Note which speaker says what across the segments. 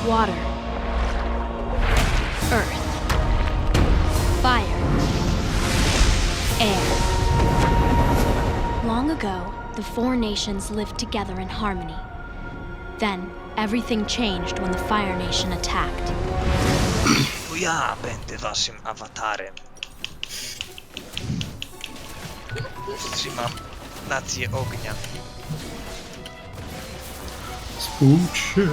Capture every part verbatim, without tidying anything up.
Speaker 1: water, earth, fire, air. Long ago, the four nations lived together in harmony. Then, everything changed when the Fire Nation attacked.
Speaker 2: To ja będę waszym awatarem. Wstrzymam nację ognia.
Speaker 3: Spójrz się.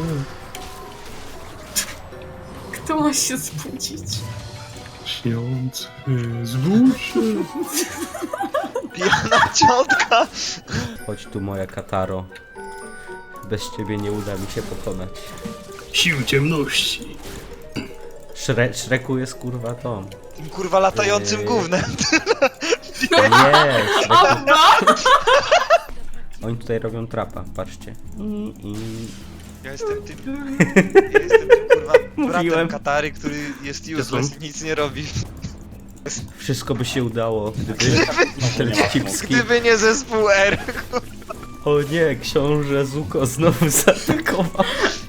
Speaker 4: Kto ma się spłucić?
Speaker 3: Śniący, zbudź się.
Speaker 2: Pijana ciotka!
Speaker 5: Chodź tu, moja Kataro. Bez ciebie nie uda mi się pokonać.
Speaker 3: Sił ciemności.
Speaker 5: Szre Szreku jest kurwa tą.
Speaker 2: Tym kurwa latającym
Speaker 5: Eee.
Speaker 2: gównem.
Speaker 5: Nie, Szreku. Oni tutaj robią trapa, patrzcie. I, i...
Speaker 2: Ja jestem tym... Ja jestem tym kurwa bratem
Speaker 5: Mówiłem.
Speaker 2: Katary, który jest useless, nic nie robi.
Speaker 5: Wszystko by się udało, gdyby ten cipski...
Speaker 2: Gdyby nie zespół R.
Speaker 5: O nie, książę Zuko znowu zaatakował.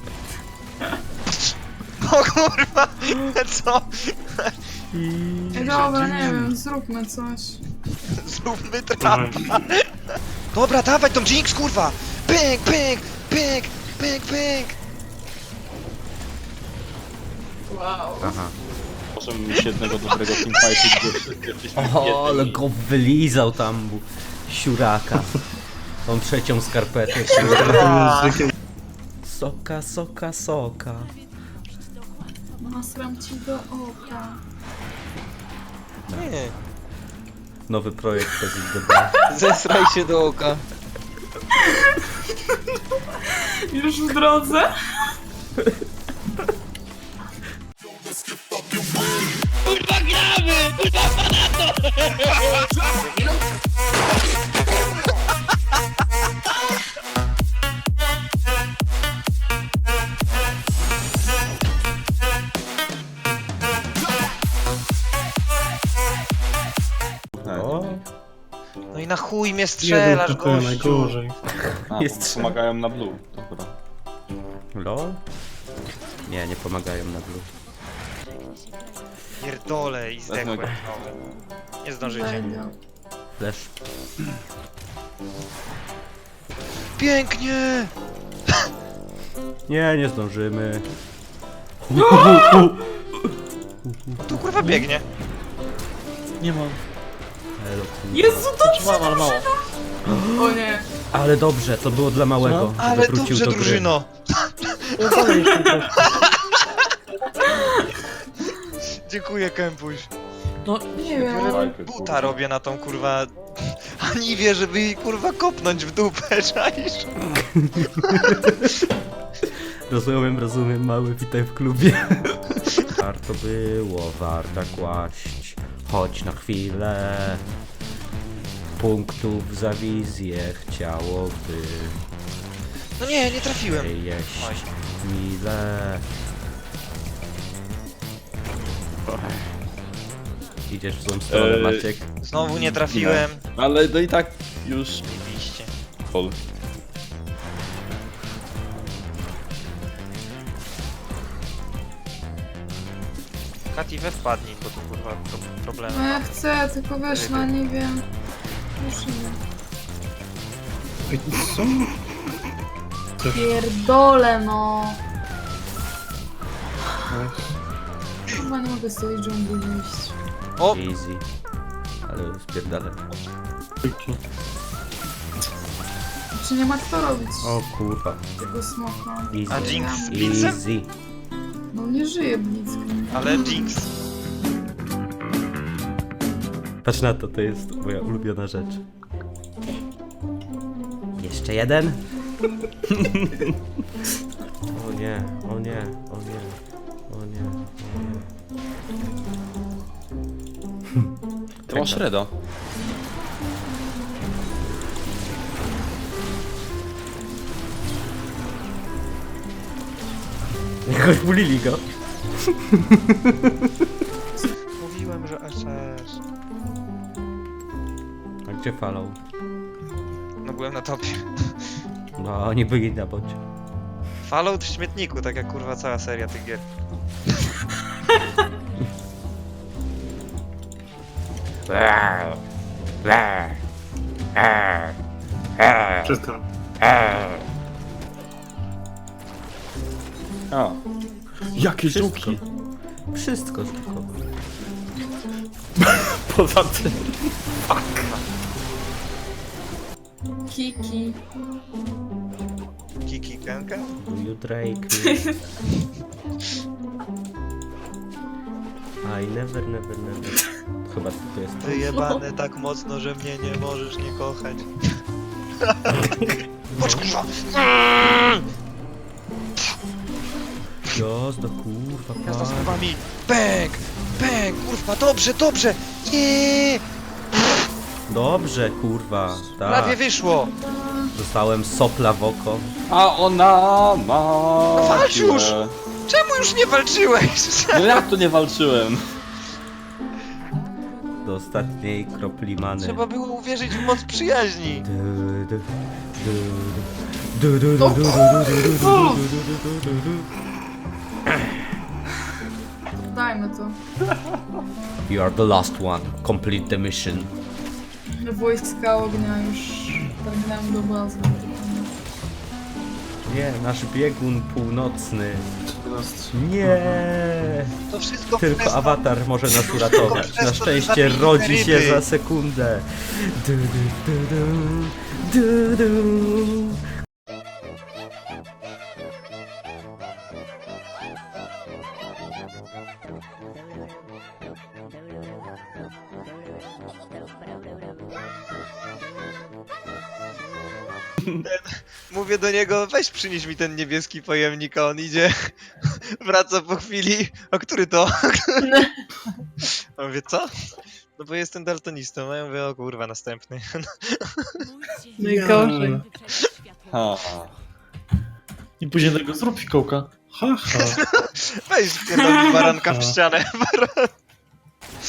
Speaker 2: O kurwa! Co?
Speaker 5: I...
Speaker 4: Ej, dobra, nie wiem, zróbmy coś.
Speaker 2: Zróbmy trapa. Dobra, dawaj tą Jinx, kurwa! Pyk, pyk, pyk, pyk, pyk!
Speaker 4: Wow.
Speaker 5: Aha.
Speaker 6: Możemy mieć jednego dobrego teamfightu, gdzie wszyscy jesteśmy w
Speaker 5: O, ale
Speaker 6: jednej.
Speaker 5: go wylizał tam, bu- siuraka. Tą trzecią skarpetę. Soka, soka, soka.
Speaker 4: Nasram ci do oka.
Speaker 2: Nie.
Speaker 5: Nowy projekt P Z D B.
Speaker 2: Zesraj się do oka.
Speaker 4: Już w drodze?
Speaker 5: O,
Speaker 2: No i na chuj mnie
Speaker 3: Jeden
Speaker 2: strzelasz,
Speaker 3: to
Speaker 2: gościu.
Speaker 3: najgorzej.
Speaker 6: A,
Speaker 5: Jest
Speaker 6: bo
Speaker 5: trzy.
Speaker 6: pomagają na blue, dobra.
Speaker 5: lol? Nie, nie pomagają na blue.
Speaker 2: Pierdolę i zdechłem.
Speaker 6: Wezmę
Speaker 2: No. Nie zdążycie.
Speaker 4: Będzie.
Speaker 5: Flash.
Speaker 2: Pięknie!
Speaker 5: Nie, nie zdążymy.
Speaker 2: Tu kurwa biegnie.
Speaker 6: Nie mam.
Speaker 5: Elo, kurwa.
Speaker 4: Jezu, dobrze!
Speaker 6: Mam, ale mało.
Speaker 4: O nie.
Speaker 5: Ale dobrze, to było dla małego,
Speaker 2: Ale
Speaker 5: żeby wrócił
Speaker 2: dobrze,
Speaker 5: do gry.
Speaker 2: drużyno. Dziękuję, Kępuś.
Speaker 4: No nie wiem.
Speaker 6: Walkę,
Speaker 2: Buta
Speaker 6: kurwa.
Speaker 2: robię na tą kurwa... Aniwie, żeby jej kurwa kopnąć w dupę, czaisz?
Speaker 5: Rozumiem, rozumiem, mały, witaj w klubie. Warto było, warta kłaść, chodź na chwilę. Punktów za wizję chciałoby
Speaker 2: No nie, nie trafiłem.
Speaker 5: się jeść
Speaker 2: Oj.
Speaker 5: mile. Idziesz w złą stronę,
Speaker 6: Eee,
Speaker 5: Maciek.
Speaker 2: Znowu nie trafiłem.
Speaker 6: Ale no i tak już...
Speaker 2: Oczywiście.
Speaker 6: Pol.
Speaker 2: Kati, we wpadnij, bo tu kurwa pro problemy.
Speaker 4: No ja chcę, tylko wiesz, no nie wiem. Już nie.
Speaker 3: Ej, co?
Speaker 4: Pierdolę no. Chyba nie mogę z tej dżungli wyjść.
Speaker 2: O!
Speaker 5: Easy. Ale spierdalę.
Speaker 3: Tyki.
Speaker 4: Czy nie ma kto robić
Speaker 5: O kurwa.
Speaker 4: tego smoka?
Speaker 2: A
Speaker 5: Easy.
Speaker 2: Jinx z blitzem?
Speaker 5: Easy.
Speaker 4: No nie żyje blitzkiem.
Speaker 2: Ale Jinx.
Speaker 5: Patrz na to, to jest moja ulubiona rzecz. Jeszcze jeden? O nie, o nie, o nie, o nie, o nie.
Speaker 6: To masz Reda.
Speaker 5: Jakoś bulili go.
Speaker 2: Mówiłem, że S S.
Speaker 5: A gdzie falą?
Speaker 2: No byłem na topie.
Speaker 5: No, oni byli na bocie.
Speaker 2: Fallout w śmietniku, tak jak kurwa cała seria tych gier.
Speaker 3: Wszystko.
Speaker 6: A,
Speaker 3: Jakie
Speaker 5: Wszystko.
Speaker 3: żółki?
Speaker 5: Wszystko tylko.
Speaker 3: Poza tym.
Speaker 4: Kiki.
Speaker 2: Kiki Kenka?
Speaker 5: Do you Drake me? I never, never, never. Chyba to jest to.
Speaker 2: Wyjebane tak mocno, że mnie nie możesz nie kochać. Chodź kurwa!
Speaker 5: Jazda, kurwa,
Speaker 2: Jazda z
Speaker 5: pan.
Speaker 2: chowami! Bęk! Bęk! Kurwa, dobrze, dobrze! Nie!
Speaker 5: Dobrze, kurwa.
Speaker 2: Prawie
Speaker 5: Tak.
Speaker 2: wyszło!
Speaker 5: Dostałem sopla w oko.
Speaker 6: a ona ma...
Speaker 2: walcz już!
Speaker 6: siłę.
Speaker 2: Czemu już nie walczyłeś?
Speaker 6: No jak tu nie walczyłem?
Speaker 5: Do ostatniej kropli many.
Speaker 2: Trzeba było uwierzyć w moc przyjaźni.
Speaker 5: Du, du, du, du, du, du,
Speaker 4: O
Speaker 5: du, du,
Speaker 4: kurwa!
Speaker 5: du, du, du, du, du, du, du.
Speaker 4: Dajmy to.
Speaker 5: You are the last one. Complete the mission.
Speaker 4: Wojska ognia już targnęły do bazy.
Speaker 5: Nie, nasz biegun północny. Nie.
Speaker 2: To wszystko
Speaker 5: Tylko
Speaker 2: przez to-
Speaker 5: awatar może nas uratować.
Speaker 2: przez
Speaker 5: Na
Speaker 2: to, że
Speaker 5: szczęście
Speaker 2: zabili
Speaker 5: rodzi się
Speaker 2: ryby.
Speaker 5: za sekundę. Du, du, du, du, du, du.
Speaker 2: Mówię do niego, weź przynieś mi ten niebieski pojemnik, a on idzie, wraca po chwili, a który to? A mówię, co? No bo jestem daltonistą, a ja mówię, o kurwa, następny.
Speaker 4: Najgorzej.
Speaker 6: Ha.
Speaker 3: I później tego zrób fikołka. Ha, ha.
Speaker 2: Weź pierdolę baranka w ścianę, baran.